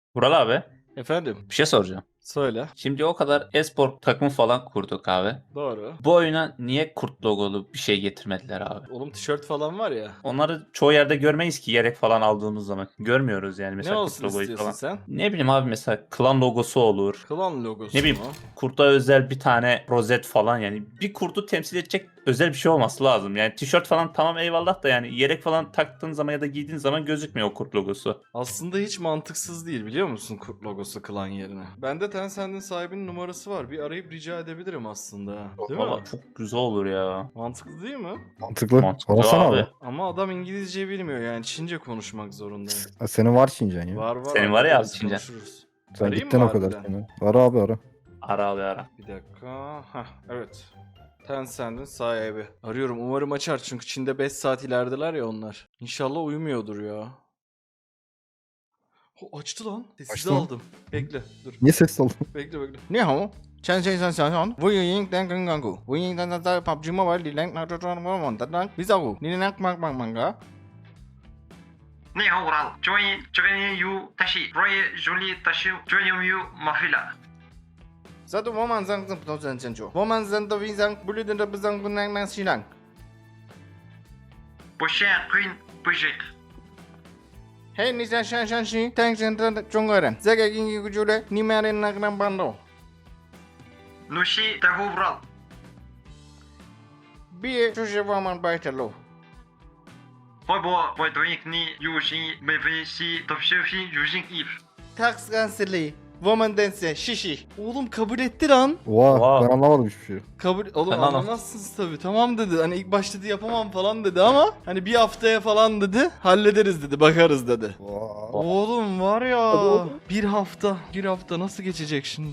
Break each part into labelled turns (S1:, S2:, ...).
S1: Vural abi
S2: Efendim,
S1: bir şey soracağım.
S2: söyle.
S1: Şimdi o kadar e-spor takımı falan kurduk abi.
S2: Doğru.
S1: Bu oyuna niye kurt logolu bir şey getirmediler abi?
S2: Oğlum tişört falan var ya.
S1: Onları çoğu yerde görmeyiz ki yelek falan aldığımız zaman. Görmüyoruz yani
S2: Ne
S1: mesela kurt
S2: olsun
S1: logoyu
S2: istiyorsun
S1: falan.
S2: sen?
S1: Ne bileyim abi mesela klan logosu olur.
S2: Klan
S1: Ne
S2: logosu
S1: bileyim
S2: mu?
S1: kurta özel bir tane rozet falan yani. Bir kurdu temsil edecek özel bir şey olması lazım. Yani tişört falan tamam eyvallah da yani yelek falan taktığın zaman ya da giydiğin zaman gözükmüyor o kurt logosu.
S2: Aslında hiç mantıksız değil biliyor musun kurt logosu klan yerine. Bende Tencent'in sahibinin numarası var. Bir arayıp rica edebilirim aslında. Değil
S1: Valla
S2: mi?
S1: çok güzel olur ya.
S2: Mantıklı değil mi?
S3: Mantıklı.
S1: Mantıklı
S3: Arasana
S1: abi.
S3: abi.
S2: Ama adam İngilizce bilmiyor yani Çince konuşmak zorundayım.
S3: Senin var Çincen ya.
S2: Var
S1: Senin var ya abi
S2: hallederiz,
S1: Çince.
S2: konuşuruz.
S3: Sen
S2: Arayayım
S3: gittin
S2: mı
S3: o kadar
S2: harbiden?
S3: senin. Ara abi ara.
S1: Ara abi ara.
S2: Bir dakika. Heh, evet. Tencent'in sahibi. Arıyorum umarım açar çünkü Çin'de 5 saat ilerideler ya onlar. İnşallah uyumuyordur ya. Açtı lan. Sessize
S3: Açtı mı?
S2: aldım. Bekle dur.
S3: Niye ses aldın?
S2: Bekle bekle. Ne hao? Chen Chen San San San. Vu Ying Dan Gang Gang Gu. Vu Ying Dan Dan Dan PUBG Mobile Li Lang Na Zhuo Zhuo Mo Mo Dan Dan. Bisa Gu. Ni Nak Mang Mang Mang Ga.
S4: 你好，Ural. Join you tashi. Roy Julie tashi. Join you mafila.
S2: Satu Wo Man Zang Zang Zang Zang Zang Zhou. Wo Man Zang Da Wing Zang. Bulu Den Da Bu Zang Bu Nang Nang Xi Lang.
S4: 不炫 Queen 不是。
S2: Hey ni Shan Shan Shan Xi. Tang Shan Dan Zhong Ge Ren. Zhe Ge Yin Yi Gu Zhu Le. Ni Ma Ren Nak Nang Ban Dou.
S4: Nushi tahu Ural.
S2: Bi Zhu Shi Wo Man Bai Zhe Lu.
S4: 会不会对你有心没分析都是非有心 if。
S2: Tax Ganseli. Woman Dance Şişi. Oğlum kabul etti lan.
S3: Oha
S1: Wow.
S3: ben anlamadım hiçbir şey.
S2: Kabul oğlum
S1: Ben anlam-
S2: anlamazsınız tabii. Tamam dedi. Hani ilk başta dedi yapamam falan dedi ama hani bir haftaya falan dedi. Hallederiz dedi. Bakarız dedi.
S3: Oha.
S2: Oğlum var ya.
S3: Hadi oğlum.
S2: Bir hafta nasıl geçecek şimdi?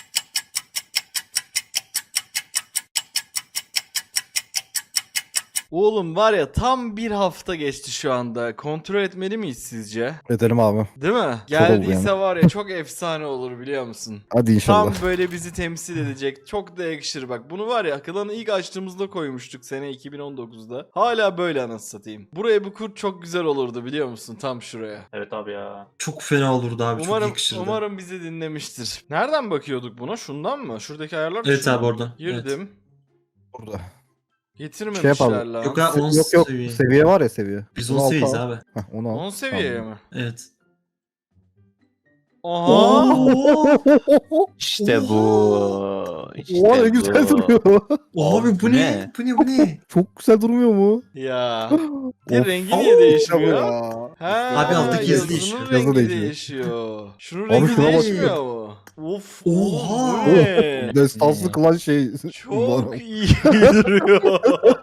S2: Oğlum var ya tam bir hafta geçti şu anda. Kontrol etmeli miyiz sizce?
S3: Edelim abi.
S2: Değil mi?
S3: oldu
S2: Geldiyse
S3: yani.
S2: var ya çok efsane olur biliyor musun?
S3: Hadi inşallah.
S2: Tam böyle bizi temsil edecek. Çok da yakışır bak. Bunu var ya klanı ilk açtığımızda koymuştuk sene 2019'da. Hala böyle anasını satayım. Buraya bu kurt çok güzel olurdu biliyor musun? Tam şuraya.
S1: Evet abi ya.
S5: Çok fena olurdu abi, çok yakışırdı.
S2: Umarım bizi dinlemiştir. Nereden bakıyorduk buna? Şundan mı? Şuradaki ayarlar
S5: Evet
S2: tuşuna
S5: abi,
S2: mı?
S5: oradan.
S2: Girdim.
S3: Burada.
S2: Getirmemişler
S3: yapalım.
S2: lan.
S5: Yok abi, 10
S3: Yok yok
S5: seviye.
S3: seviye var ya seviye.
S5: Biz
S3: Bunu
S5: 10
S3: al,
S5: seviyeyiz
S3: al.
S5: abi.
S3: Heh, onu al.
S2: 10 seviyeye
S3: Tamam.
S2: mi?
S5: Evet.
S2: Aha.
S1: İşte bu. İşte
S3: Oha ne güzel
S1: bu.
S3: duruyor.
S5: Abi bu ne? Bu ne? Bu ne?
S3: Çok güzel durmuyor mu?
S2: Ya. Bir
S3: Of.
S2: rengi niye değişmiyor?
S3: Ya.
S2: Ha,
S5: Abi alttaki yazı
S2: yazının
S5: değişiyor.
S2: rengi
S3: Yazı değişiyor.
S2: değişiyor. Şunun
S3: Abi
S2: rengi
S3: şuna bak
S2: değişmiyor
S3: ya.
S2: mu? Of.
S5: Oha.
S2: oğlum bu ne?
S3: Destansı kılan şey.
S2: Çok iyi duruyor.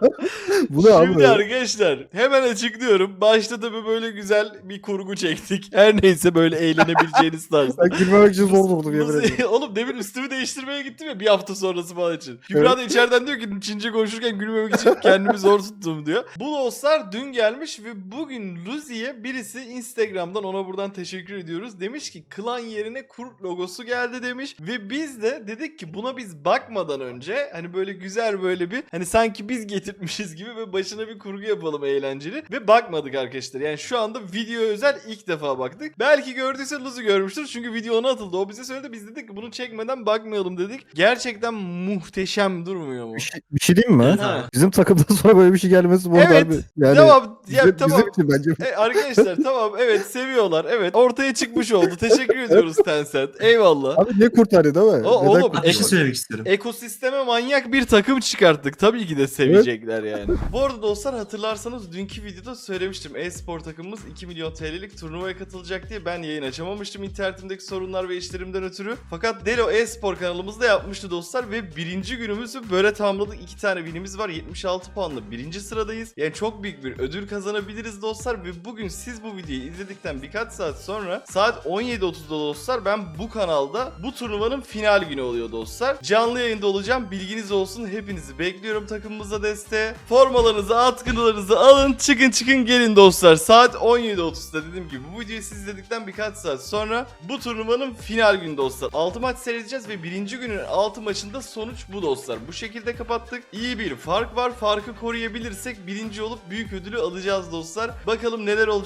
S3: Bu ne abi?
S2: Şimdi arkadaşlar hemen açıklıyorum. Başta tabii böyle güzel bir kurgu çektik. Her neyse böyle eğlenebileceğiniz tarzda.
S3: Ben girmemek için zor durdum yemin
S2: Nasıl-
S3: ederim.
S2: Oğlum demin üstümü değiştirmeye gittim ya bir hafta sonrası falan için. Kübra da içeriden diyor ki Çince konuşurken gülmemek için kendimi zor tuttum diyor. Bu dostlar dün gelmiş ve bugün Luzi'ye birisi Instagram'dan ona buradan teşekkür ediyoruz. Demiş ki klan yerine kurt logosu geldi demiş. Ve biz de dedik ki buna biz bakmadan önce hani böyle güzel böyle bir hani sanki biz getirtmişiz gibi ve başına bir kurgu yapalım eğlenceli. Ve bakmadık arkadaşlar. Yani şu anda video özel ilk defa baktık. Belki gördüyse Luzi görmüştür. Çünkü video ona atıldı. O bize söyledi. Biz dedik ki bunu çekmeden bakmayalım dedik. Gerçekten muhteşem durmuyor mu?
S3: Bir şey diyeyim mi?
S5: Evet
S2: Ha.
S5: abi.
S3: Bizim takımdan sonra böyle bir şey gelmesi bu arada
S2: Evet.
S3: abi. Yani
S2: Devam. Ya,
S3: bizim,
S2: tamam.
S3: bizim için bence.
S2: Arkadaşlar tamam evet seviyorlar. Evet ortaya çıkmış oldu. Teşekkür ediyoruz Tencent. Eyvallah.
S3: Abi niye kurtarıyor değil mi?
S2: O-
S3: Neden
S2: oğlum,
S3: kurtarıyor?
S5: Abi bir şey söylemek istiyorum.
S2: Ekosisteme manyak bir takım çıkarttık. Tabii ki de sevecekler yani. Bu arada dostlar hatırlarsanız dünkü videoda söylemiştim. E-spor takımımız 2 milyon TL'lik turnuvaya katılacak diye ben yayın açamamıştım internetimdeki sorunlar ve işlerimden ötürü. Fakat Delo e-spor kanalımızda yapmıştı dostlar ve birinci günümüzü böyle tamamladık. 2 tane winimiz var. 76 puanla birinci sıradayız. Yani çok büyük bir ödül kazanabiliriz dostlar ve bugün siz bu videoyu izledikten birkaç saat sonra saat 17.30'da dostlar ben bu kanalda bu turnuvanın final günü oluyor dostlar. Canlı yayında olacağım. Bilginiz olsun. Hepinizi bekliyorum takımımıza desteğe. Formalarınızı, atkılarınızı alın. Çıkın gelin dostlar. Saat 17.30'da dediğim gibi bu videoyu siz izledikten birkaç saat sonra bu turnuvanın final günü dostlar. 6 maç seyredeceğiz ve birinci günün 6 maçında sonuç bu dostlar. Bu şekilde kapattık. İyi bir fark var. Farkı koruyabilirsek birinci olup büyük ödülü alacağız dostlar. Bakalım neler olacak.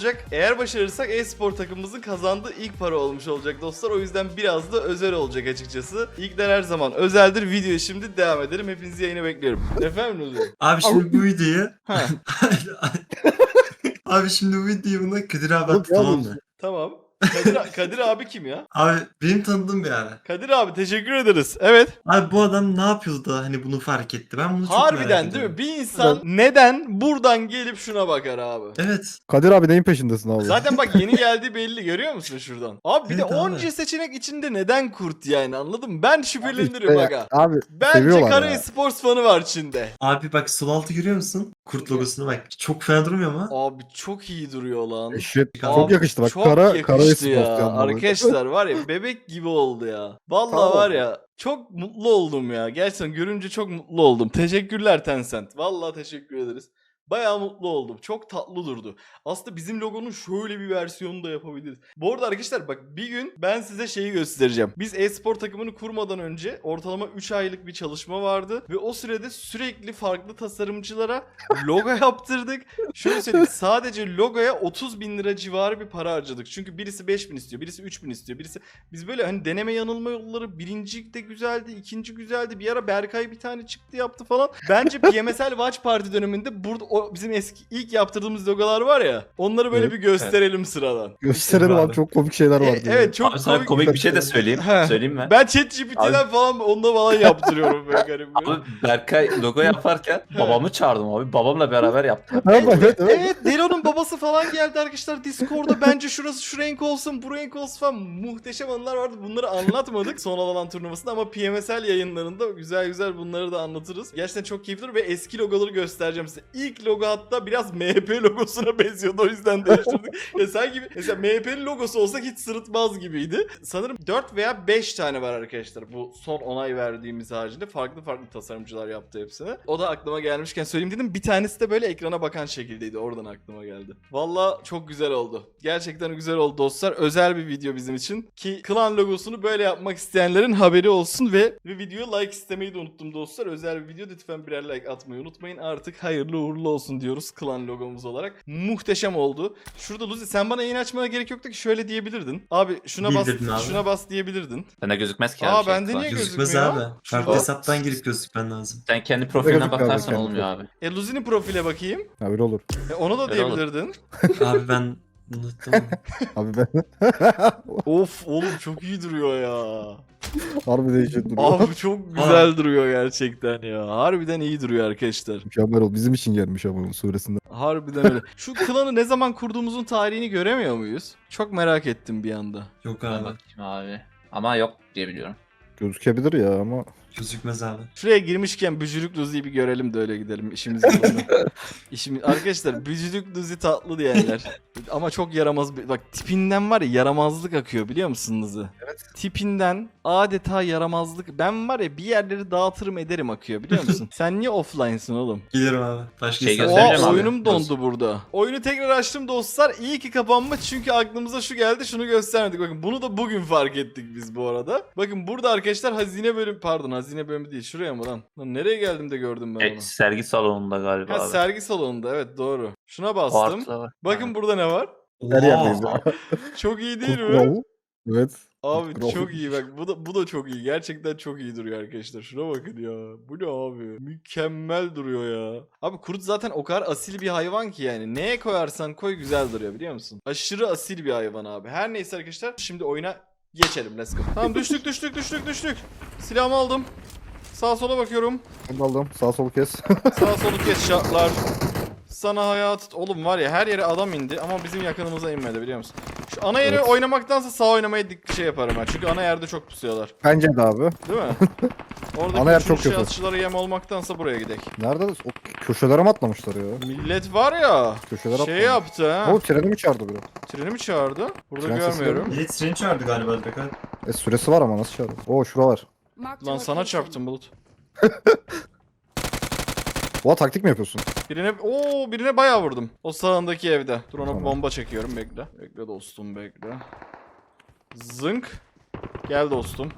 S2: olacak. Eğer başarırsak e-spor takımımızın kazandığı ilk para olmuş olacak dostlar. O yüzden biraz da özel olacak açıkçası. İlkler her zaman özeldir. Videoya şimdi devam edelim. Hepinizi yayına bekliyorum. Efendim Uzi?
S5: Abi şimdi bu videoyu...
S2: Ha.
S5: Abi şimdi bu videoyu buna Kadir abi
S3: Oğlum,
S5: attı, tamam
S3: yalnız-
S5: mı?
S2: Tamam. Kadir abi kim ya?
S5: Abi benim tanıdığım bir abi.
S2: Kadir abi teşekkür ederiz. Evet.
S5: Abi bu adam ne yapıyordu da hani bunu fark etti? Ben bunu çok merak
S2: Harbiden değil
S5: ediyorum.
S2: mi? Bir insan neden buradan gelip şuna bakar abi?
S5: Evet.
S3: Kadir abi neyin peşindesin abi?
S2: Zaten bak yeni geldiği belli, görüyor musun şuradan? Abi bir de
S5: Evet abi.
S2: onca seçenek içinde neden kurt yani, anladın mı? Ben şüphelenirim
S3: İşte
S2: aga.
S3: Abi
S2: Bence
S3: seviyorlar
S2: Kara
S3: ya.
S2: Sports fanı var içinde.
S5: Abi bak sol altı görüyor musun? Kurt logosunu bak. Çok fena durmuyor mu?
S2: Abi çok iyi duruyor lan.
S3: Eşit.
S2: Abi,
S3: Çok yakıştı bak.
S2: çok
S3: Kara
S2: yakıştı
S3: Sport
S2: ya.
S3: yandı.
S2: Arkadaşlar var ya, bebek gibi oldu ya. Vallahi
S3: Tamam.
S2: var ya, çok mutlu oldum ya. Gerçekten görünce çok mutlu oldum. Teşekkürler Tencent. Vallahi teşekkür ederiz. Bayağı mutlu oldum. Çok tatlı durdu. Aslında bizim logonun şöyle bir versiyonu da yapabiliriz. Bu arada arkadaşlar bak, bir gün ben size şeyi göstereceğim. Biz e-spor takımını kurmadan önce ortalama 3 aylık bir çalışma vardı. Ve o sürede sürekli farklı tasarımcılara logo yaptırdık. Şöyle söyleyeyim, sadece logoya 30.000 lira civarı bir para harcadık. Çünkü birisi 5.000 istiyor, birisi 3.000 istiyor, birisi... Biz böyle hani deneme yanılma yolları, birinci de güzeldi, ikinci güzeldi. Bir ara Berkay bir tane çıktı yaptı falan. Bence PMSL Watch Party döneminde burada o bizim eski ilk yaptırdığımız logolar var ya, onları böyle
S3: Evet.
S2: bir gösterelim sıradan.
S3: Gösterelim abi, çok komik şeyler vardı.
S2: Evet çok
S1: Abi sana komik bir şey de söyleyeyim.
S2: He.
S1: Söyleyeyim mi?
S2: Ben ChatGPT'den falan onunla falan yaptırıyorum böyle garip.
S1: Abi Berkay logo yaparken babamı çağırdım abi. Babamla beraber yaptım.
S3: Ha, bak, evet, evet.
S2: Evet, Delo'nun babası falan geldi arkadaşlar Discord'da. Bence şurası şu renk olsun, bu renk olsun falan. Muhteşem anılar vardı. Bunları anlatmadık son alan turnuvasında ama PMSL yayınlarında güzel güzel bunları da anlatırız. Gerçekten çok keyifli ve eski logoları göstereceğim size. İlk logo hatta biraz MHP logosuna benziyordu, o yüzden değiştirdik. Ya sanki mesela MHP'nin logosu olsa hiç sırıtmaz gibiydi. Sanırım 4 veya 5 tane var arkadaşlar. Bu son onay verdiğimiz haricinde farklı farklı tasarımcılar yaptı hepsini. O da aklıma gelmişken söyleyeyim dedim. Bir tanesi de böyle ekrana bakan şekildeydi. Oradan aklıma geldi. Valla çok güzel oldu. Gerçekten güzel oldu dostlar. Özel bir video bizim için. Ki klan logosunu böyle yapmak isteyenlerin haberi olsun ve videoya like istemeyi de unuttum dostlar. Özel bir video, lütfen birer like atmayı unutmayın. Artık hayırlı uğurlu olsun diyoruz klan logomuz olarak. Muhteşem oldu. Şurada Luzi, sen bana yayın açmana gerek yoktu ki, şöyle diyebilirdin. Abi şuna bas,
S5: Bildirdin abi.
S2: şuna bas diyebilirdin.
S1: Bende gözükmez ki
S2: Aa,
S1: abi.
S2: bende niye
S5: Gözükmez
S2: gözükmüyor?
S5: abi. Farklı
S2: Şurada.
S5: hesaptan girip gözükmen lazım.
S1: Sen kendi profiline
S3: Gözükmüyor abi,
S1: bakarsan
S3: kendi
S1: olmuyor abi.
S2: Luzi'nin profile bakayım.
S3: Ha, öyle olur.
S2: Onu da
S1: Öyle olur.
S2: diyebilirdin.
S5: Abi ben unuttum.
S3: Abi ben
S2: Of oğlum, çok iyi duruyor ya.
S3: harbi değişik duruyor.
S2: Abi çok güzel duruyor gerçekten ya. Harbiden iyi duruyor arkadaşlar.
S3: Mükemmel oldu. Bizim için gelmiş ama onun suresinde.
S2: Harbiden öyle. Şu klanı ne zaman kurduğumuzun tarihini göremiyor muyuz? Çok merak ettim bir anda.
S5: Yok
S1: Ben
S5: abi.
S1: bakayım abi. Ama yok diye biliyorum.
S3: Gözükebilir ya ama.
S5: Gözükmez abi.
S2: Şuraya girmişken Bücürük Luzi'yi bir görelim de öyle gidelim. İşimiz güzel. Arkadaşlar Bücürük Luzi tatlı diyenler. Ama çok yaramaz. Bak tipinden var ya, yaramazlık akıyor biliyor musun Luzi? Evet. Tipinden adeta yaramazlık. Ben var ya, bir yerleri dağıtırım ederim akıyor biliyor musun? Sen niye offline'sın oğlum?
S5: Gelirim abi. Başka
S1: Şey
S5: hesap-
S1: gösterelim
S2: Oha,
S1: abi.
S2: oyunum dondu burada. Oyunu tekrar açtım dostlar. İyi ki kapanma, çünkü aklımıza şu geldi, şunu göstermedik. Bakın bunu da bugün fark ettik biz bu arada. Bakın burada arkadaşlar hazine bölüm, pardon hazine bölümü değil, şuraya mı lan? Lan nereye geldim de gördüm ben onu.
S1: Sergi salonunda galiba
S2: Ha,
S1: abi.
S2: sergi salonunda, evet doğru. Şuna
S1: O
S2: bastım.
S1: artıda var.
S2: Bakın burada ne var?
S3: Her yerdeyiz
S5: Oha.
S3: ya.
S2: Çok iyi değil
S3: Kurt
S2: mi?
S3: Kralı. Evet.
S2: Abi
S3: Kurt Kralı.
S2: çok iyi bak, bu da çok iyi. Gerçekten çok iyi duruyor arkadaşlar. Şuna bakın ya. Bu ne abi? Mükemmel duruyor ya. Abi kurt zaten o kadar asil bir hayvan ki yani. Neye koyarsan koy güzel duruyor biliyor musun? Aşırı asil bir hayvan abi. Her neyse arkadaşlar, şimdi oyuna geçelim. Let's go. Tamam, düştük. Silahımı aldım. Sağa sola bakıyorum.
S3: Ben de aldım. Sağ sol kes.
S2: Sağa solu kes şartlar. Sana hayat... Oğlum var ya, her yere adam indi ama bizim yakınımıza inmedi biliyor musun? Şu ana yeri
S3: Evet.
S2: oynamaktansa sağ oynamayı şey yaparım ben. Çünkü ana yerde çok pusuyorlar.
S3: Bence de abi.
S2: Değil mi? Orada
S3: Ana yer çok kötü.
S2: atışçılara yem olmaktansa buraya gidelim.
S3: Nerede? O köşelere mi atlamışlar ya?
S2: Millet var ya,
S3: Köşelere
S2: şey
S3: atlamış.
S2: yaptı ha.
S3: O treni mi çağırdı biri?
S2: Treni mi çağırdı? Burada
S3: Tren sesi
S2: görmüyorum.
S5: Evet, treni çağırdı galiba direkt abi.
S3: Süresi var ama nasıl çağırdı? Oo şura var.
S2: Lan sana çarptım Bulut.
S3: Oha, taktik mi yapıyorsun?
S2: Birine bayağı vurdum. O sağındaki evde. Dur, ona
S3: Tamam.
S2: bomba çekiyorum, bekle. Bekle dostum, bekle. Zınk. Gel dostum.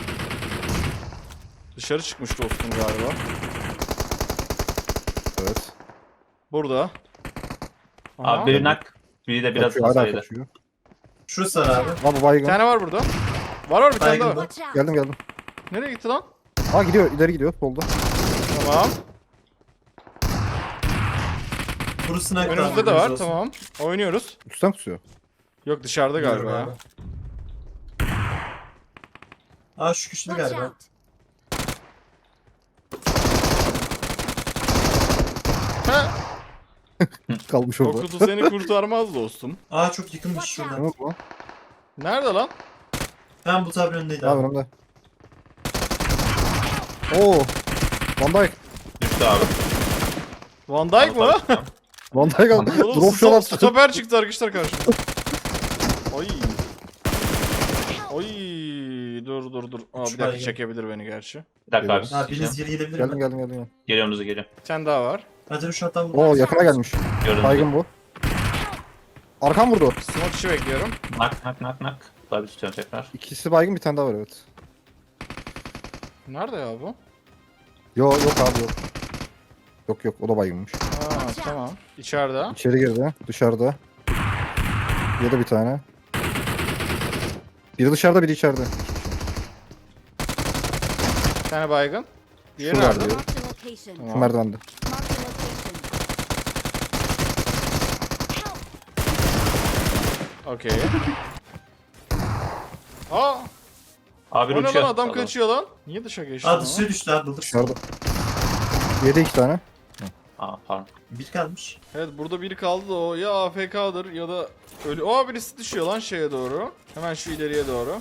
S2: Dışarı çıkmış dostum galiba.
S3: Evet.
S2: Burada. Aha.
S1: Abi bir nak. Biri de biraz
S3: Kaçıyor, hala
S1: hasarıydı.
S3: kaçıyor.
S5: Şurası var abi.
S3: Abi
S2: Bir
S3: baygın.
S2: tane var burada. Var bir tane
S5: Baygın
S2: daha.
S5: mı?
S6: Watch out!
S3: Geldim geldim.
S2: Nereye gitti lan?
S3: Aa gidiyor, ileri gidiyor solda.
S2: Tamam.
S5: Burası ne?
S2: Önümüzde de var. Tamam. Oynuyoruz.
S3: Üstten tutuyor.
S2: Yok dışarıda galiba ya.
S5: Aa şu güçlü
S6: Watch
S5: galiba.
S6: out!
S3: Kalmış
S2: O
S3: orada.
S2: kutu seni kurtarmaz dostum.
S5: Aa çok yakınmış şuradan.
S3: Ne oldu lan?
S2: Nerede lan?
S5: Ben bu tabi önündeydi
S3: Abi
S5: abi.
S3: önümde. Oo. Van Dijk.
S1: Düştü abi.
S2: Van Dijk mı?
S3: Van Dijk aldı.
S2: Oğlum
S3: Drop shot attı.
S2: stoper çıktı arkadaşlar karşımıza. Oy. Oy. Dur. Aa, bir dakika
S5: baygın.
S2: çekebilir beni gerçi.
S1: Bir dakika abi.
S5: Ha biriniz geri gelebilir
S3: Geldim
S5: mi?
S3: geldim.
S1: Geliyorum hızlı geliyorum.
S2: Bir tane daha var.
S5: Hadi şu hatta
S3: Oo yakına gelmiş.
S1: Gördüm.
S3: Baygın bu. Arkam vurdu.
S2: Smoke işi bekliyorum.
S1: Nak. Tabii tutuyorum tekrar.
S3: İkisi baygın, bir tane daha var evet.
S2: Nerede ya bu?
S3: Yok abi yok. Yok o da baygınmış.
S2: Aa tamam. İçeride.
S3: İçeri girdi. Dışarıda. Ya da bir tane. Biri dışarıda, biri içeride.
S2: Bir tane baygın. Diğeri
S3: Şurada
S2: nerede?
S3: diyor.
S6: Marked a location.
S3: Şu
S2: Tamam.
S3: merdivende.
S6: Marked a location. Help!
S2: Okey. Aa!
S1: Abi
S2: O ne
S1: uçuyor.
S2: lan adam kaçıyor lan. Niye dışa geçti?
S5: Aa
S2: ama?
S5: dışarı düştü abi bulduk.
S3: Dışarıda. Yedi 2 tane.
S1: Aa pardon.
S5: Bir kalmış.
S2: Evet burada biri kaldı da o ya AFK'dır ya da ölü. Aa birisi düşüyor lan şeye doğru. Hemen şu ileriye doğru.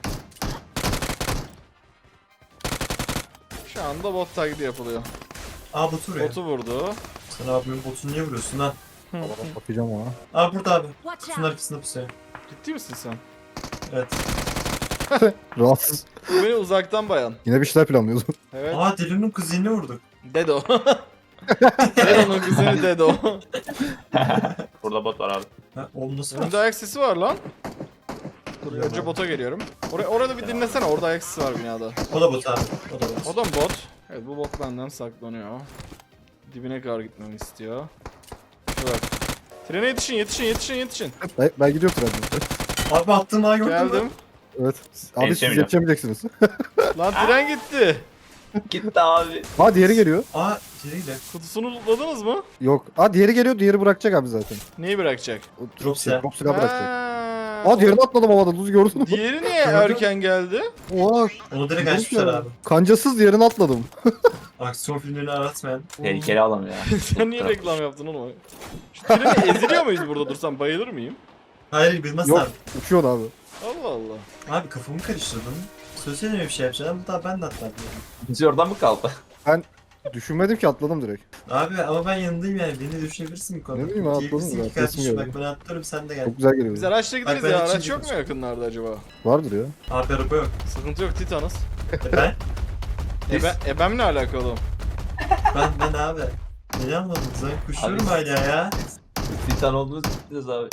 S2: Şu anda bot taklidi yapılıyor.
S5: Aa botu vuruyor.
S2: Botu vurdu.
S5: Sen abimin botunu niye vuruyorsun lan?
S3: Bakacağım ona.
S5: Aa burada abi.
S6: Watch
S5: Kutunun
S6: out!
S5: arkasında pusuyor.
S2: Ciddi misin sen?
S5: Evet.
S3: Rahatsız.
S2: Bu beni uzaktan bayan.
S3: Yine bir şeyler planlıyoruz.
S2: Evet.
S5: Aa Delun'un kuzenini vurduk.
S2: Dedo. Dedo'nun kuzeni Dedo.
S1: Burada bot var abi.
S5: Ha oğlum nasıl var?
S2: Önümde ayak sesi var lan. Dur önce bota geliyorum. Orada bir dinlesene, orada ayak sesi var binada.
S5: O da bot abi. O da bot.
S2: O da mı bot? Evet bu bot benden saklanıyor. Dibine kadar gitmemi istiyor. Dur bak. Trene yetişin.
S3: Ben gidiyorum trenden.
S5: Abi attığım ağa gördün mü?
S2: Geldim.
S3: Evet. Abi siz
S1: Yetişemeyeceğim.
S3: yetişemeyeceksiniz.
S2: Lan tren gitti.
S1: Gitti abi.
S3: Ha diğeri geliyor.
S5: Aa içeriyle.
S2: Kutusunu lootladınız mı?
S3: Yok. Ha diğeri geliyor, diğeri bırakacak abi zaten.
S2: Neyi bırakacak?
S3: O
S5: Drop silah.
S3: Drop silah bırakacak.
S2: Ha,
S3: Aa diğerini atladım havada, Luz gördün mü?
S2: Diğeri niye
S5: Gördüm.
S2: erken geldi?
S3: Oha.
S5: Onu direkt
S3: Drop
S5: açmışlar
S3: ya.
S5: abi.
S3: Kancasız diğerini atladım.
S5: Aksiyon filmlerini aratmayan.
S1: Tehlikeli adam ya.
S2: Sen niye reklam yaptın oğlum? Şu treni eziliyor muyuz burada dursam, bayılır mıyım?
S5: Hayır bilmez
S3: Yok.
S5: abi.
S3: Uçuyor abi.
S2: Allah Allah.
S5: Abi kafamı karıştırdın. Söylesene bir şey yapacağım. Bu da ben de atladım.
S1: Biz oradan mı kaldı?
S3: Düşünmedim ki, atladım direkt.
S5: Abi ama ben yanındayım yani. Beni düşünebilirsin bu konuda.
S3: Ne bileyim abi,
S5: Diyebilirsin
S3: atladın
S5: ki
S3: mı?
S5: kardeşim
S3: Resim
S5: bak
S3: geldi.
S5: ben atlarım sen de gel.
S3: Çok güzel geliyor.
S2: Biz araçla gideriz
S5: ben
S2: ya,
S5: için
S2: araç yok mu
S5: gidiyoruz.
S2: yakınlarda acaba?
S3: Vardır ya.
S5: Abi araba yok.
S2: Sıkıntı yok, Titanız.
S5: Ben?
S2: Ebem ne alakalı oğlum?
S5: Ben abi. Beni anladın. Sen kuşluyorum
S1: Abi-
S5: hala ya.
S1: Titan olduğunu biliyoruz abi.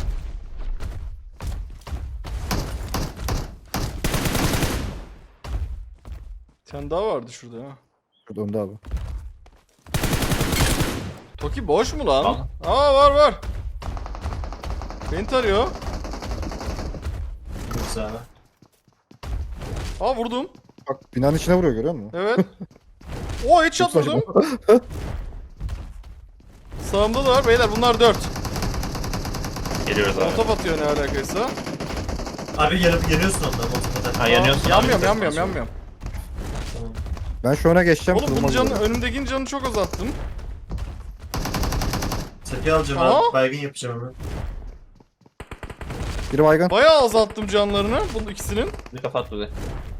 S2: Bir tane daha vardı şurada ha.
S3: Şurada önde abi.
S2: Toki boş mu lan?
S1: Tamam.
S2: Aa var. Beni tarıyor.
S5: Yoksa abi.
S2: Aa vurdum.
S3: Bak binanın içine vuruyor, görüyor musun?
S2: Evet. Oo headshot
S3: Çok saçma.
S2: vurdum. Sağımda da var beyler, bunlar 4.
S1: Geliyoruz abi.
S2: Top atıyor ne alakaysa.
S5: Abi yanıyorsun ondan motorda.
S1: Ha yanıyorsun abi.
S2: Yanmıyorum.
S3: Ben şu öne geçeceğim.
S2: Oğlum bunun
S3: kırılmaz
S2: canı,
S3: böyle.
S2: önümdekinin canını çok azalttım.
S5: Tepeye alacağım
S2: Aa!
S5: abi. Baygın yapacağım hemen.
S3: Biri baygın.
S2: Bayağı azalttım canlarını bunun ikisinin.
S1: Bir kafa at bize.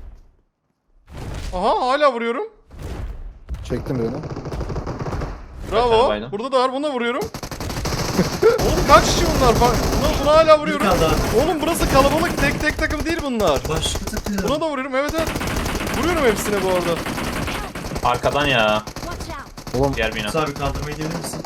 S2: Aha hala vuruyorum.
S3: Çektim birini.
S2: Bravo.
S1: baydım.
S2: Burada da var, buna vuruyorum. Oğlum kaç kişi bunlar? Buna hala
S5: Bir
S2: vuruyorum.
S5: kaldı abi.
S2: Oğlum burası kalabalık, tek takım değil bunlar.
S5: Başka takıyor.
S2: Buna da vuruyorum, evet. Vuruyorum hepsine bu arada.
S1: Arkadan ya.
S6: Watch out!
S3: Oğlum
S1: Diğer bina.
S5: Abi kaldırmayı diyebilir misin?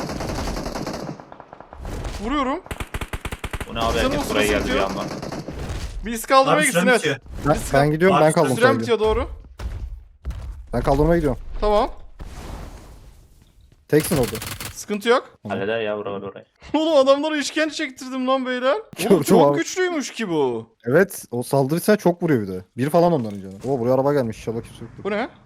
S2: Vuruyorum.
S1: Bu ne abi,
S2: Canım
S1: herkes buraya geldi bir
S2: sıkıyor.
S1: anda.
S2: Biz kaldırmaya
S5: Abi
S2: gitsin,
S5: süren
S2: evet.
S5: bitiyor.
S3: ben gidiyorum,
S5: Abi,
S3: ben kaldım.
S2: Sürem
S3: sadece.
S2: bitiyor, doğru.
S3: Ben kaldırmaya gidiyorum.
S2: Tamam.
S3: Teksin orada.
S2: Sıkıntı yok.
S1: Halleder ya oraya.
S2: Oğlum adamlara işkence çektirdim lan beyler. Oğlum
S3: Gördüm
S2: çok
S3: abi.
S2: güçlüymüş ki bu.
S3: Evet o saldırırsa çok vuruyor bir de. Bir falan onların canı. Oo buraya araba gelmiş inşallah kimse yok.
S2: Bu ne?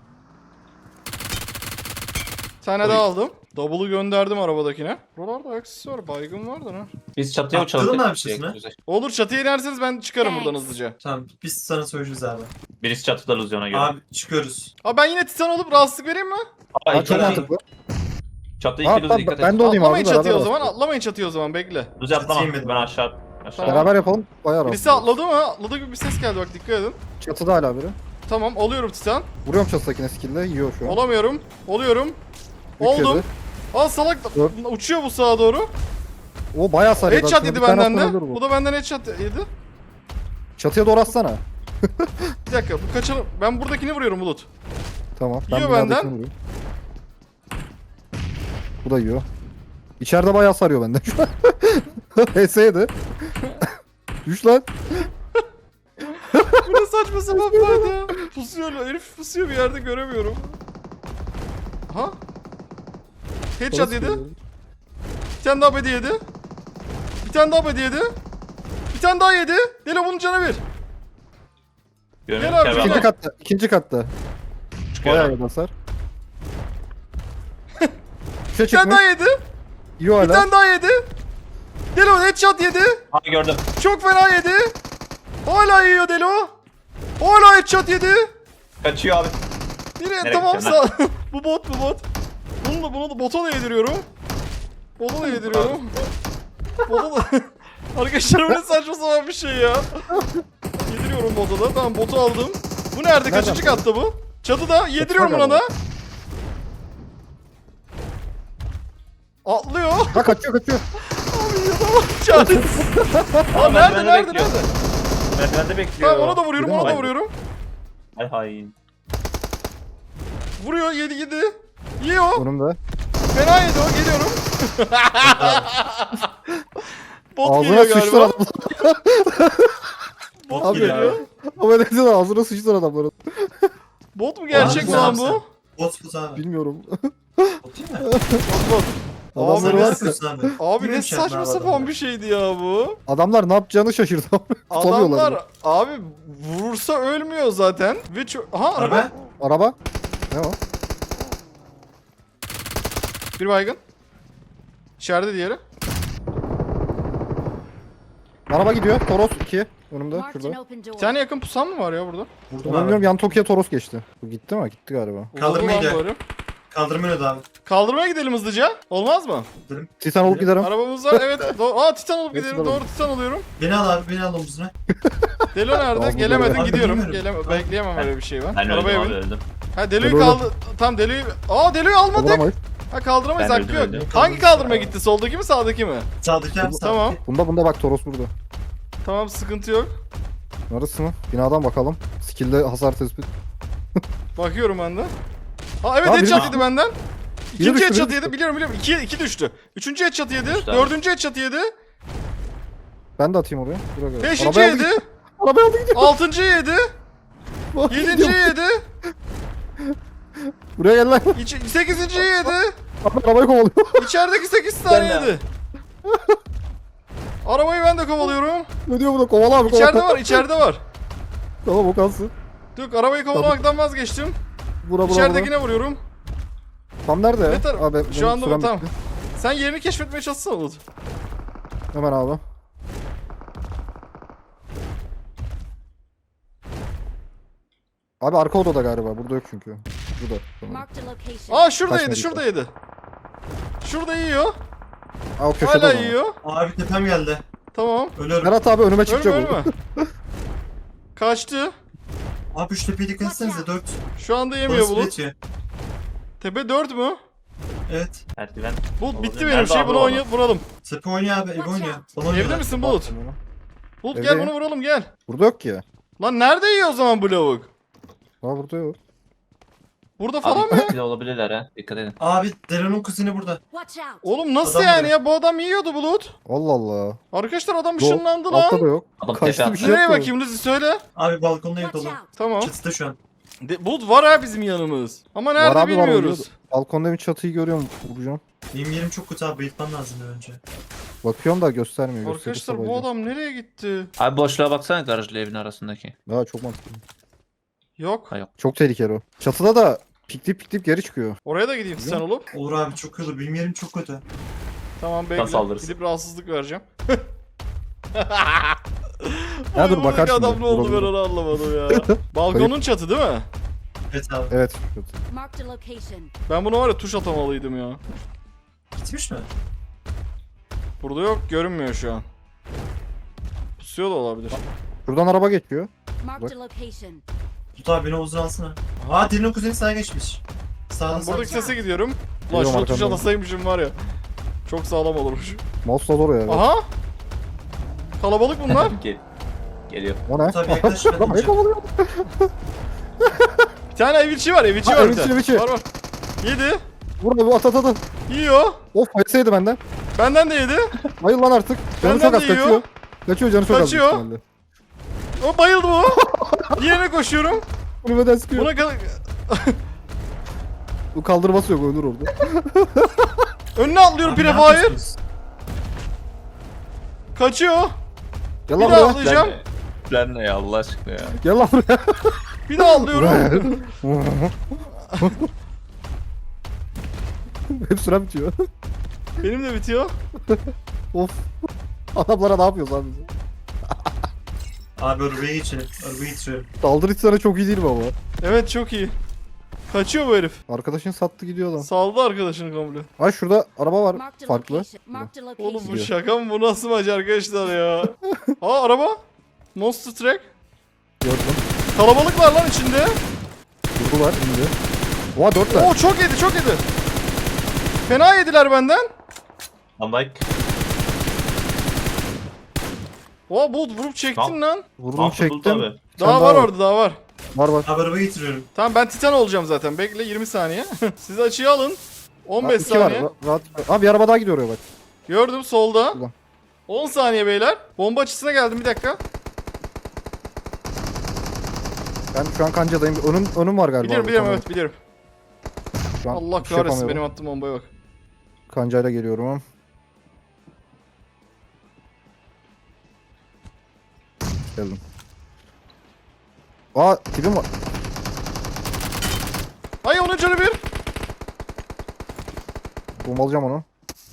S2: Bir tane daha aldım. Double'ı gönderdim arabadakine. Buralarda aksesuar baygın vardır ha.
S1: Biz çatıya
S5: Atladın
S1: uçalım.
S5: mı abi üstüne?
S2: Olur çatıya inerseniz ben çıkarım buradan
S6: Thanks.
S2: hızlıca.
S5: Tamam biz sana söyleyeceğiz abi.
S1: Birisi çatıda Luzion'a göre.
S5: Abi çıkıyoruz.
S2: Abi ben yine titan olup rahatsızlık vereyim mi?
S1: Aa,
S3: Ha, çok
S1: iki Luzio.
S3: mantıklı.
S1: Çatı
S3: Ha,
S1: iki Luzio
S3: ben,
S1: dikkat et.
S3: ben de olayım abi.
S2: Atlamayın çatıya o
S3: beraber
S2: zaman.
S3: atlayalım.
S2: Atlamayın çatıya o zaman bekle.
S1: Luzio atlama.
S5: Çatıyı
S1: Ben aşağı.
S2: Tamam.
S3: Beraber yapalım. Bayağı
S2: Birisi
S3: rahat.
S2: atladı mı? Atladı gibi bir ses geldi bak dikkat edin.
S3: Çatıda hala biri.
S2: Tamam oluyorum titan.
S3: Vuruyorum çatıdakine skill'le yiyor şu an.
S2: Olamıyorum. Oluyorum.
S3: Üç
S2: Oldum.
S3: yedi.
S2: Aa salak
S3: Dört.
S2: uçuyor bu sağa doğru.
S3: O bayağı sarıyor.
S2: Headshot
S3: Aslında
S2: yedi
S3: bir tane
S2: benden
S3: atsan
S2: de.
S3: ölür bu.
S2: Bu da benden headshot yedi.
S3: Çatıya doğru atsana.
S2: Bir dakika bu kaçalım. Ben buradakini vuruyorum Bulut.
S3: Tamam.
S2: Yiyor
S3: binadakini
S2: benden.
S3: vuruyorum. Bu da yiyor. İçeride bayağı sarıyor benden şu an. HS7. Düş lan.
S2: Bu ne saçma sapan bir fight ya. Pusuyor lan. Herif pusuyor bir yerde göremiyorum. Ha? Headshot yedi. Bir tane daha bedi yedi. Bir tane daha bedi yedi. Bir tane daha yedi. Delo bunun canı bir.
S1: Görmüyorum
S2: Gel abi,
S1: ki
S2: gel.
S3: İkinci katta. İkinci katta.
S1: Çıkıyorum.
S3: Bayağı iyi basar. Üçe
S2: Bir tane
S3: çıkmış.
S2: daha yedi.
S3: Yiyor
S2: Bir
S3: hala.
S2: tane daha yedi. Delo headshot yedi.
S1: Ha gördüm.
S2: Çok fena yedi. Hala yiyor Delo. Hala headshot yedi.
S1: Kaçıyor abi.
S2: Nereye?
S1: Nereye
S2: Tamam
S1: gidiyorsun
S2: sağ. Bu bot. Bunu da bota da yediriyorum. Bota da yediriyorum. Bota da... Arkadaşlar bu ne saçma sapan bir şey ya. Yediriyorum bota da. Tamam botu aldım. Bu nerede? Kaçıncı katta bu? Çatıda. Yediriyorum buna da. Atlıyor.
S3: Ha kaçıyor.
S2: Abi yadama çaresiz. Aa nerede
S1: merdivende
S2: nerede
S1: bekliyor.
S2: nerede?
S1: Merdivende bekliyor.
S2: Tamam ona da vuruyorum
S3: Yedi mi?
S2: ona da vuruyorum.
S1: Hay hay.
S2: Vuruyor yedi. Yiyor.
S3: Önümde.
S2: Fena yedi o geliyorum. Bot
S3: Ağzına
S2: geliyor
S3: sıçtı
S2: galiba.
S3: adam.
S2: Bot
S3: Abi
S2: geliyor.
S3: Ama ne diyor ağzına sıçtı adamların.
S2: Bot mu gerçek
S5: Abi,
S2: mi lan
S5: sen-
S2: bu?
S5: Bot abi.
S3: Bilmiyorum.
S5: Bot değil mi?
S2: Bot.
S3: Adamlar
S5: Sen
S3: var
S5: ne
S3: ya.
S5: yapıyorsun abi?
S2: Abi ne
S5: Yürüyün
S2: saçma
S5: şartlar
S2: sapan
S5: adamlar.
S2: bir şeydi ya bu.
S3: Adamlar ne yapacağını şaşırdı. Tutamıyorlar.
S2: Adamlar abi vurursa ölmüyor zaten. Ve aha araba.
S5: Araba.
S3: Araba. Ne o?
S2: Bir baygın. İçeride diğeri.
S3: Araba gidiyor. Toros 2. Önümde.
S6: Marked an
S3: Şurada.
S6: open door.
S2: Bir tane yakın pusan mı var ya burada?
S5: Vurdum
S3: Ben
S5: abi.
S3: bilmiyorum yan Tokyo'ya Toros geçti. Bu gitti mi? Gitti galiba.
S5: Kaldırmaya
S2: Uzadı lan
S5: gidiyor.
S2: böyle.
S5: Kaldırma önüydü abi.
S2: Kaldırmaya gidelim hızlıca. Olmaz mı?
S3: Titan olup giderim.
S2: Arabamız var evet. Aa titan olup
S3: Hepsi
S2: gidelim.
S3: de var.
S2: Doğru titan oluyorum.
S5: Beni al abi beni al omzuna.
S2: Delo nerede?
S3: Abi,
S2: Gelemedin
S5: abi,
S2: gidiyorum.
S5: bilmiyorum.
S2: Bekleyemem öyle bir şey ben.
S1: Ben öldüm
S2: Arabaya
S1: abi
S2: bin.
S1: öldüm.
S2: Ha Delo'yu
S3: Delo'yu-
S2: kaldı. Tam Delo'yu... Aa Delo'yu almadık.
S3: Kaldıramayız.
S2: Ha kaldıramayız
S1: Ben
S2: hakkı
S1: öldüm,
S2: yok.
S1: öldüm.
S2: Hangi kaldırma gitti? Soldaki mi sağdaki mi?
S5: Sağdaki abi sağdaki.
S2: Tamam.
S3: Bunda bak Toros burada.
S2: Tamam sıkıntı yok.
S3: Neresi mi? Binadan bakalım. Skill'de hasar tespit.
S2: Bakıyorum ben de. Ha evet
S3: Abi,
S2: headshot
S3: biri-
S2: yedi benden.
S3: Biri
S2: İkinci
S3: düştü,
S2: headshot
S3: biri
S2: yedi biliyorum. İki düştü. Üçüncü headshot yedi.
S1: Düştü abi.
S2: Dördüncü headshot yedi.
S3: Ben de atayım oraya. Bırak öyle.
S2: Beşinci
S3: Arabaya aldı
S2: yedi.
S3: gidiyor. Arabaya aldı gidiyor.
S2: Altıncı yedi. Yedinci yedi.
S3: Buraya gel lan.
S2: Sekizinci yedi.
S3: Arabayı kovalıyor.
S2: İçerideki 8 tane yedi. Arabayı ben de kovalıyorum.
S3: Ne diyor bu da? Kovala abi kovala.
S2: İçeride var, içeride var.
S3: Tamam o kalsın.
S2: Dur arabayı kovalamaktan vazgeçtim.
S3: Bura.
S2: İçeridekine vuruyorum.
S3: Tam nerede?
S2: Ne tar-
S3: Abi,
S2: Şu
S3: benim
S2: anda
S3: sürem
S2: tamam.
S3: bitti.
S2: Sen yerini keşfetmeye çalışsana Bulut.
S3: Hemen abi. Abi arka odada galiba. Burada yok çünkü. Burada. Tamam.
S6: Marked a location.
S2: Aa şuradaydı,
S3: Kaçmadı
S2: şuradaydı. Şurada yiyor.
S3: Aa o köşede o
S2: Hala
S3: zaman.
S2: yiyor.
S5: Abi tepem geldi.
S2: Tamam.
S5: Ölüyorum.
S3: Berat abi önüme
S2: Ölme
S3: çıkacak o.
S2: ölme. Kaçtı.
S5: Abi şu tepeye dikkat etsenize 4.
S2: Şu anda yemiyor Bulut.
S5: Yetiyor.
S2: Tepe 4 mü?
S5: Evet.
S1: Merdiven.
S2: Bulut bitti
S1: Nerede
S2: benim şey
S1: abi
S2: bunu
S1: o
S2: oynayıp vuralım.
S5: Tepe oynuyor abi. Ev oynuyor. Bana
S2: Evde
S5: oynuyorlar.
S2: misin Bulut? Bulut gel
S3: Evdeyim.
S2: bunu vuralım gel.
S3: Burada yok ki.
S2: Lan nerede yiyor o zaman bu lavuk?
S3: Aa burada yok.
S2: Burada falan mı?
S1: Abi ikili olabilirler ha. Dikkat edin.
S5: Abi Deren'in kuzeni burada.
S6: Watch out.
S2: Oğlum nasıl
S5: Adam
S2: yani
S5: vuruyor.
S2: ya? Bu adam yiyordu Bulut.
S3: Allah Allah.
S2: Arkadaşlar adam
S3: Yok,
S2: ışınlandı
S3: altta
S2: lan.
S3: da yok.
S1: Adam
S3: Kaçtı
S1: tepe
S3: bir
S1: attı.
S3: şey
S2: Nereye
S3: yok.
S2: bakayım Luzi söyle.
S5: Abi balkonda ev
S6: Watch
S5: dolu.
S6: out.
S2: Tamam.
S5: Çatıda şu an.
S2: Bulut var ha bizim yanımız. Ama nerede
S3: Var abi, var,
S2: bilmiyoruz.
S3: oynuyordu. Balkonda bir çatıyı görüyorum. Vuracağım.
S5: Benim yerim çok kötü abi. Bayıltmam lazım bir önce.
S3: Bakıyorum da göstermiyor.
S2: Arkadaşlar
S3: Gösterirse
S2: bu
S3: bayılacağım.
S2: adam nereye gitti?
S1: Abi boşluğa baksana garajla evin arasındaki.
S3: Daha çok mantıklı.
S2: Yok.
S1: Hayır.
S3: Çok tehlikeli o. Çatıda da piklip geri çıkıyor.
S2: Oraya da gideyim sen olup.
S5: Olur abi çok kötü. Benim yerim çok kötü.
S2: Tamam bekle.
S1: saldırırsın.
S2: Gidip rahatsızlık vereceğim.
S3: Ya dur,
S2: Oy,
S3: bakarsın
S2: adam
S3: bir.
S2: ne oldu ben
S3: Vuralım.
S2: onu anlamadım ya. Balkonun çatı değil mi?
S5: Evet abi.
S3: Evet.
S6: Marked a location.
S2: Ben bunu var ya tuş atamalıydım ya.
S5: Gitmiş mi?
S2: Burada yok, görünmüyor şu an. Pusuyor da olabilir.
S3: Şuradan araba geçiyor.
S6: Marked a location.
S5: Tut abi beni Oğuz'un alsana. Aa Dilin kuzeni sağa geçmiş. Sağdan
S2: Ben buradaki sese gidiyorum. Ulan
S3: Geliyorum
S2: şuna tuş
S3: arkandan.
S2: atasaymışım var ya. Çok sağlam olurmuş.
S3: Mouse'la zor ya.
S2: Aha! Kalabalık bunlar.
S1: Geliyor.
S3: O ne?
S5: Tabii yaklaş ben
S3: Arabayı
S5: önce.
S3: kovalıyor.
S2: Bir tane ev içi var, ev içi
S3: Ha,
S2: var
S3: ev
S2: bir tane.
S3: içi, ev içi.
S2: Var var. Yedi.
S3: Vur abi, at.
S2: Yiyor.
S3: Of, yeseydi benden.
S2: Benden de yedi.
S3: Bayıl lan artık. Canı
S2: Benden
S3: çok az
S2: de yiyor.
S3: kaçıyor. Kaçıyor, canı çok az.
S2: Kaçıyor.
S3: büyük ihtimalle.
S2: O bayıldı bu. Diğerine koşuyorum.
S3: Kulübeden sıkıyor.
S2: Buna kadar...
S3: Bu kaldırması yok, ölür orada.
S2: Önüne atlıyorum
S5: Abi ne
S2: prefire.
S5: yapıyorsunuz?
S2: Kaçıyor.
S3: Gel
S2: Bir
S3: lan
S2: daha
S3: buraya.
S2: atlayacağım.
S1: Plan ne ya Allah aşkına ya.
S3: Gel lan buraya.
S2: Bir daha atlıyorum.
S3: Hep süre bitiyor.
S2: Benim de bitiyor.
S3: Of. Adamlara ne yapıyoruz abi biz?
S5: Abi arabaya geçelim. Arabaya geçiyorum.
S3: Saldırı sana çok iyi değil mi ama?
S2: Evet çok iyi. Kaçıyor bu herif.
S3: Arkadaşın sattı gidiyor lan.
S2: Saldı arkadaşını komple.
S3: Ay şurada araba var
S6: Marked a
S3: farklı.
S6: location. Marked a
S2: Oğlum bu
S6: location.
S2: şaka mı? Bu nasıl maç arkadaşlar ya? Aa araba. Monster Truck.
S3: Gördüm.
S2: Kalabalık var lan içinde.
S3: Durdular indi. Oha 4'ler.
S2: Oo çok yedi çok yedi. Fena yediler benden.
S1: I'm like.
S2: Oo Bulut vurup çektin lan.
S3: Vurdum çektim.
S1: Abi.
S3: Sen
S2: Daha var orada daha var.
S3: Var.
S5: Abi arabaya getiriyorum.
S2: Tamam ben Titan olacağım zaten. Bekle 20 saniye. Siz açıyı alın. 15
S3: 2 var.
S2: saniye.
S3: Rahat. Abi bir araba daha gidiyor oraya bak.
S2: Gördüm solda.
S3: Ulan.
S2: 10 saniye beyler. Bomba açısına geldim bir dakika.
S3: Ben şu an kancadayım. Önüm var galiba.
S2: Biliyorum
S3: abi,
S2: biliyorum
S3: tamam.
S2: evet biliyorum.
S3: Şu an
S2: Allah
S3: bir şey
S2: kahretsin
S3: yapamıyorum.
S2: benim attığım bombaya bak.
S3: Kancayla geliyorum. Geldim. Aa tipim var.
S2: Ay onun canı bir.
S3: Bombalayacağım onu.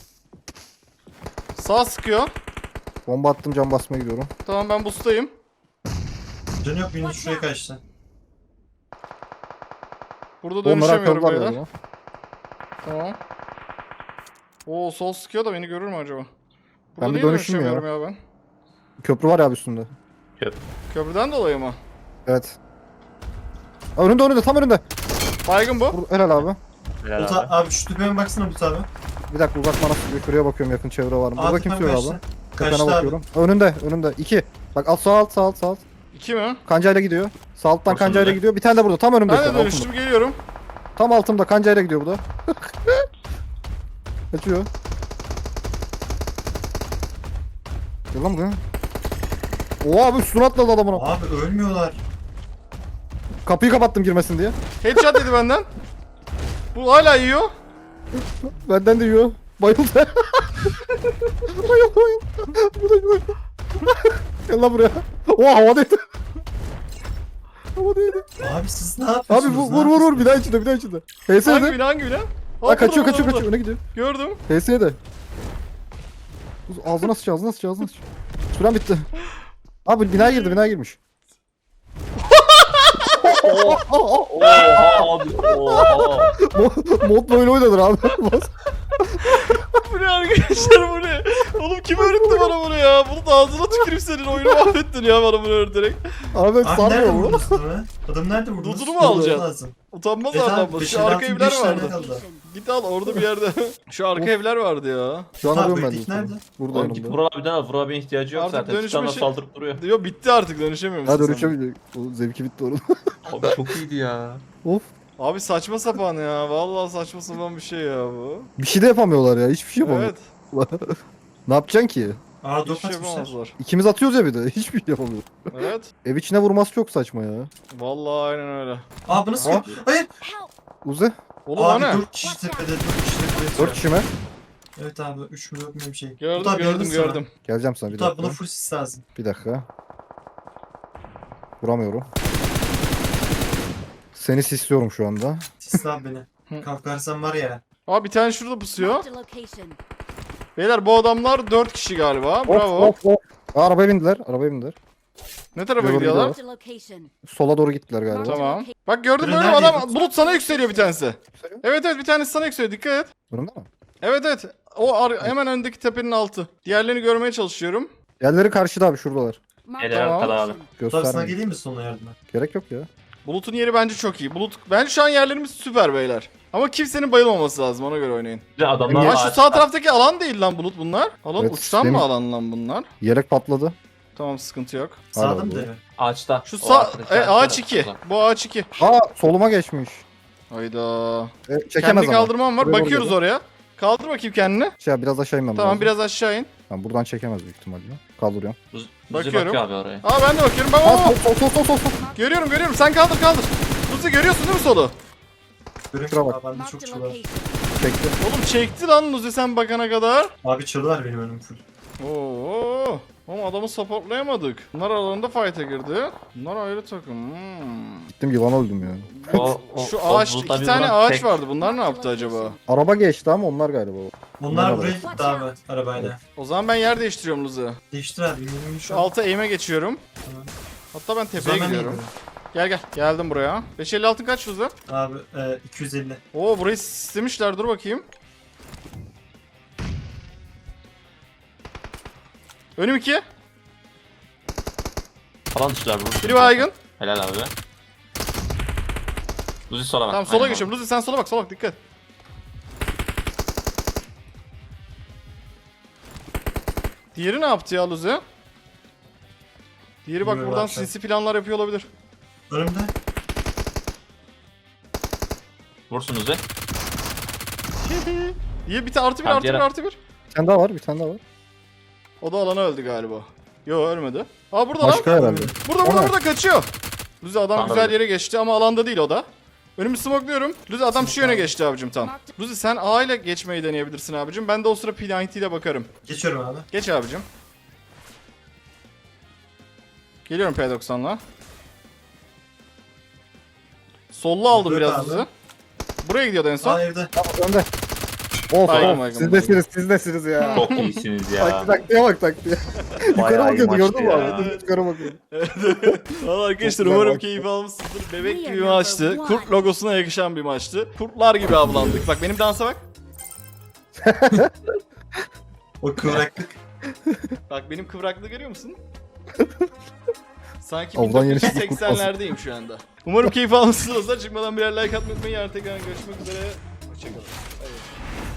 S2: Sağ sıkıyor.
S3: Bomba attım, cam basmaya gidiyorum.
S2: Tamam ben boostayım.
S5: Canı yok benim şuraya kaçtı.
S2: Burada
S3: Onları
S2: dönüşemiyorum
S3: akıllar
S2: beyler.
S3: galiba.
S2: Tamam. Oo sol sıkıyor da beni görür mü acaba? Burada
S3: Ben bir
S2: niye
S3: dönüşüm ya.
S2: dönüşemiyorum ya ben?
S3: Köprü var ya abi üstünde.
S2: Köprüden dolayı mı?
S3: Evet. Aa, önünde tam önünde.
S2: Baygın bu.
S3: Helal abi.
S1: Helal
S5: Bulut
S1: abi.
S5: abi şu tepeme baksana Bulut abi.
S3: Bir dakika uzak bana sıkıyor. Şuraya bakıyorum, yakın çevre var mı? Burada
S5: Abi
S3: kimse yok abi.
S5: kaçtı.
S3: Tepene
S5: Kaçtı abi.
S3: bakıyorum. Önünde. 2. Bak sağ alt.
S2: 2 mi?
S3: Kancayla gidiyor. Sağ alttan
S1: Bak
S3: kancayla
S1: şimdi.
S3: gidiyor. Bir tane de burada. Tam önümde.
S2: Ben
S3: şu
S2: de
S3: an, altımda.
S2: dönüştüm geliyorum.
S3: Tam altımda kancayla gidiyor bu da. Kaçıyor. Gel lan buraya. Oha abi üstüne atladı adamın.
S5: Abi ölmüyorlar.
S3: Kapıyı kapattım girmesin diye.
S2: Headshot dedi benden. Bu hala yiyor.
S3: Benden de yiyor. Bayıldı. Bayıldı. Bu da yiyor. Gel lan buraya. Oha havadaydı. Havadaydı.
S5: Abi siz ne yapıyorsunuz?
S3: Abi
S5: Ne
S3: vur
S5: yapıyorsunuz?
S3: bir daha içinde.
S2: Hangi
S3: HS'de.
S2: bina hangi bina?
S3: Ha kaçıyor
S2: burada.
S3: öne gidiyor.
S2: Gördüm.
S3: HS'de. Ağzına sıç. Süren bitti. Abi binaya girmiş.
S1: Oha abi. Oha.
S3: Mod böyle oynanır abi.
S2: Bu ne arkadaşlar bu ne? Oğlum kim öğretti bana bunu ya? Bunu da ağzına tükürüp senin oyunu mahvettin ya bana bunu öğreterek.
S3: Abi
S5: Abi
S3: sarmıyor
S5: nerede
S3: bu.
S5: vurdunuz adamı? Adam nerede vurdunuz?
S2: Dudunu mu alacaksın?
S5: Lazım.
S2: Utanmaz
S5: Evet abi,
S2: adamlar.
S5: beş
S2: Şu
S5: el
S2: arka
S5: altı,
S2: evler
S5: beş tane
S2: vardı.
S5: kaldı.
S2: Git al orada bir yerde. Şu arka evler vardı ya.
S3: Şu an
S5: Abi,
S3: arıyorum ben
S5: Beklik
S3: de.
S5: nerede?
S3: Burada
S1: Oğlum git
S3: yanımda.
S1: Vural abiden al. Vural abinin ihtiyacı yok
S2: Artık
S1: zaten.
S2: dönüşme
S1: Titan'la
S2: şey-
S1: saldırıp duruyor.
S2: Yo bitti artık dönüşemiyor musun
S3: Ha
S2: sen?
S3: dönüşemeyecek. O zevki bitti onun.
S1: Abi çok iyiydi ya.
S3: Of.
S2: Abi saçma sapan ya. Vallahi saçma sapan bir şey ya bu.
S3: Bir şey de yapamıyorlar ya. Hiçbir şey yapamıyor.
S2: Evet.
S3: Ne yapacaksın ki?
S5: Aa
S2: Hiçbir
S5: dok
S2: şey
S5: atmışlar.
S2: yapamazlar.
S3: İkimiz atıyoruz ya bir de. Hiçbir şey yapamıyoruz.
S2: Evet.
S3: Ev içine vurması çok saçma ya.
S2: Vallahi aynen öyle.
S5: Aa bu nasıl?
S3: Aa.
S5: Hayır.
S6: Help!
S3: Uzi.
S2: Oğlum o
S5: Abi
S2: ne?
S5: 4 kişi tepede 4 kişi tepede.
S3: 4 kişi mi?
S5: Evet abi 3 mü 4 mü bir şey.
S2: Gördüm
S5: Tut abi,
S2: gördüm
S5: yardım sana.
S2: gördüm.
S3: Geleceğim sana bir
S5: Tut abi
S3: dakika.
S5: buna full sis lazım.
S3: Bir dakika. Vuramıyorum. Seni sisliyorum şu anda.
S5: Sisle abi beni. Kalkarsan var ya.
S2: Aa bir tane şurada pusuyor.
S6: Marked a location.
S2: Beyler bu adamlar 4 kişi galiba. Bravo.
S3: Hop hop. Aa, arabaya bindiler. Arabaya bindiler.
S2: Ne tarafa
S3: Doğru,
S2: gidiyorlar?
S6: Marked a location.
S3: Sola doğru gittiler galiba.
S2: Tamam. Bak gördün mü
S5: Ürünler
S2: öyle adam
S5: yedim.
S2: Bulut sana yükseliyor bir tanesi.
S3: Yükseliyor.
S2: Evet evet bir tanesi sana yükseliyor dikkat et.
S3: Önümde mi?
S2: Evet evet. Hemen öndeki tepenin altı. Diğerlerini görmeye çalışıyorum.
S3: Yerleri karşıda abi şuradalar.
S6: Marked
S1: Gel
S6: a
S2: Tamam.
S1: arkada abi.
S6: location.
S5: Tut abi sana
S3: Göstermeyin.
S5: geleyim mi sonuna yardıma?
S3: Gerek yok ya.
S2: Bulut'un yeri bence çok iyi. Bence şu an yerlerimiz süper beyler. Ama kimsenin bayılmaması lazım ona göre oynayın.
S1: Bir de adamlar
S2: Ya şu
S1: ağaç-
S2: sağ taraftaki alan değil lan Bulut bunlar. Alan
S3: Evet,
S2: uçtan
S3: demin-
S2: mı alan lan bunlar?
S3: Yelek patladı.
S2: Tamam sıkıntı yok.
S3: Hala
S5: Sağda mı
S3: bu.
S5: deve?
S1: ağaçta.
S2: Şu
S1: O
S2: sağ
S1: arkadaki
S2: ağaç
S1: ağaçta
S2: 2.
S1: da.
S2: Bu ağaç 2.
S3: Aa soluma geçmiş.
S2: Hayda.
S3: Çekemez
S2: Kendi
S3: ama.
S2: kaldırmam var.
S3: Buraya doğru
S2: Bakıyoruz
S3: geliyor.
S2: oraya. Kaldır bakayım kendini.
S3: Biraz aşağı inmem
S2: Tamam
S3: lazım.
S2: biraz aşağı in.
S3: Tamam, buradan çekemez büyük ihtimalle. Kaldırıyorum.
S1: Buzi
S2: Bakıyorum.
S1: bakıyor abi oraya.
S2: Aa ben de bakıyorum. Bak
S3: Aa
S2: bak, bak.
S3: sol.
S2: Görüyorum. Sen kaldır. Luzi görüyorsun değil mi solu?
S5: Görüyorum
S3: Şuna
S5: abi
S3: bak.
S5: bende çok
S6: Marked a
S5: çalı var.
S6: location.
S3: Çekti.
S2: Oğlum çekti lan Luzi sen bakana kadar.
S5: Abi çalı var benim önüm full.
S2: Oo. Ama adamı supportlayamadık. Bunlar aralarında fight'a girdi. Bunlar ayrı takım.
S3: Gittim yılan öldüm ya.
S2: Şu ağaç,
S1: bulutlar
S2: 2
S1: bir
S2: tane
S1: vuran
S2: ağaç
S1: tek-
S2: vardı. Bunlar ne yaptı acaba?
S3: Araba geçti ama onlar galiba.
S5: Onlar
S3: Bunlar
S5: buraya
S3: var.
S5: gitti abi arabayla.
S2: O zaman ben yer değiştiriyorum Luzi.
S5: Değiştir abi. Minimum
S2: Şu alta eğime geçiyorum.
S5: Tamam.
S2: Hatta ben tepeye gidiyorum. Gel. Geldim buraya. 550 altın kaç Luzi?
S5: Abi 250.
S2: Oo burayı sistemişler. Dur bakayım. Önüm 2.
S1: Falan dışlar vurur.
S2: Biri baygın.
S1: Helal abi. Luzi sola bak.
S2: Tamam sola
S1: Aynen
S2: geçiyorum. Luzi sen sola bak dikkat. Diğeri ne yaptı ya Luzi? Diğeri bak
S5: Bilmiyorum
S2: buradan
S5: abi.
S2: sinsi planlar yapıyor olabilir.
S5: Önümde.
S1: Vursun Luzi.
S2: Diye bir artı bir
S1: Tamam,
S2: artı bir
S1: diğer-
S2: artı bir.
S3: Bir tane daha var.
S2: O da alana öldü galiba. Yo ölmedi. Aa burada
S3: Başka
S2: lan.
S3: herhalde.
S2: Burada
S3: O ne?
S2: burada kaçıyor. Luzi adam
S1: Anladım.
S2: güzel yere geçti ama alanda değil o da. Önümü smokluyorum. Luzi adam şu yöne geçti abicim tam. Luzi sen A ile geçmeyi deneyebilirsin abicim. Ben de o sıra P90 ile bakarım.
S5: Geçiyorum abi.
S2: Geç abicim. Geliyorum P90'la. Sollu aldım
S5: Yok
S2: biraz
S5: abi.
S2: Luzi. Buraya gidiyordu en son.
S5: Aa evde.
S3: Tamam önde. Of
S2: Baygın,
S3: of. Sizdesiniz ya.
S1: Çok iyisiniz ya.
S3: Taktiğe bak taktiğe. Yukarı
S1: Bayağı iyi
S3: bakıyordu gördün mü
S1: maçtı ya.
S3: abi? Dur, yukarı bakıyordu.
S2: Valla arkadaşlar
S3: Çok
S2: umarım
S3: güzel
S2: keyif almışsınızdır. Bebek
S6: We
S2: gibi
S6: are
S2: bir maçtı.
S6: number one.
S2: Kurt logosuna yakışan bir maçtı. Kurtlar gibi avlandık. Bak benim dansa bak.
S5: O kıvraklık.
S2: Bak benim kıvraklığı görüyor musun? Sanki
S3: Avdan yeni çıkmış kurt
S2: 1980'lerdeyim şu anda. Umarım keyif almışsınızdır. Çıkmadan birer like atmayı unutmayın. Yarın tekrar görüşmek üzere. Hoşçakalın. Evet.